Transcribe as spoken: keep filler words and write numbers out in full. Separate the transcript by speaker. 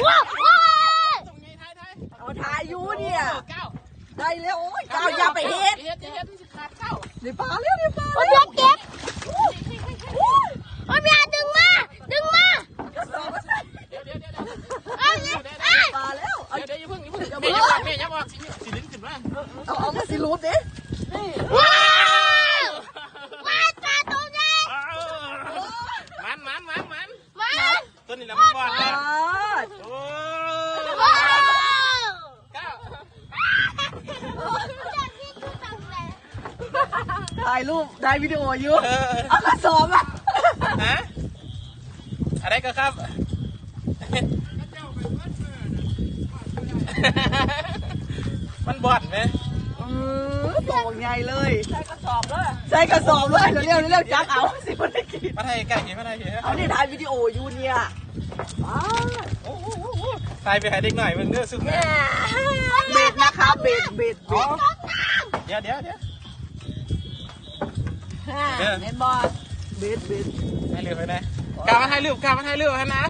Speaker 1: เอาถ่ายอยู่เนี่ยได้แล้วโอ้ยก้าวอย่าไปเฮ็ดเดี๋ยวปลาเร็วเดี๋ยวปลา
Speaker 2: โอ้ยเก็บโอ้ยพี่อาดึงมาดึงมาเอาไง
Speaker 1: ปลาแล้ว
Speaker 3: เดี๋ยวเดี๋ยวอย่าเพิ่งอย่าเพิ่งเดี๋ยวบอกแม่อย่าบอกสิสิลิ้นขึ้นมา
Speaker 1: เอาเอามาสิรูดดิ
Speaker 2: ว้าวว้าวปลาตัวใหญ่
Speaker 3: มันมันมันมัน
Speaker 2: มา
Speaker 3: ตัวนี้แหละมันบอด
Speaker 1: ป
Speaker 3: เลย
Speaker 1: ลา
Speaker 3: โอ้
Speaker 2: ว้าว
Speaker 3: ก้าว
Speaker 1: ถ่ายรูปได้วิดีโออยู่เอากระสอบอ่ะ
Speaker 3: ฮะอะไรก็ครับมันบอดไหม
Speaker 1: เออตัวใหญ่เลยใส่กระสอบเลยใส่กระสอบเลยเร็วเร็วจักเอาสิมันได้กิน
Speaker 3: มาไทยไก่เห็นมาไทยเห็น
Speaker 1: เอานี่ถ่ายวิดีโออยู่เนี่ยอ้า
Speaker 3: โอ้โหไทยไปหาเด็กหน่อยมึงเนื้อซุ่มนะ
Speaker 1: เบ็ดนะคะเบ็ดเบ็ดเบ็ด
Speaker 3: เดี๋ยวเดี๋ยวเดี๋ยว
Speaker 1: เห็นบอลเบ็ดเบ็ด
Speaker 3: ให้เรือไปไหนกามาให้เรือ กามาให้เรือฮะนะ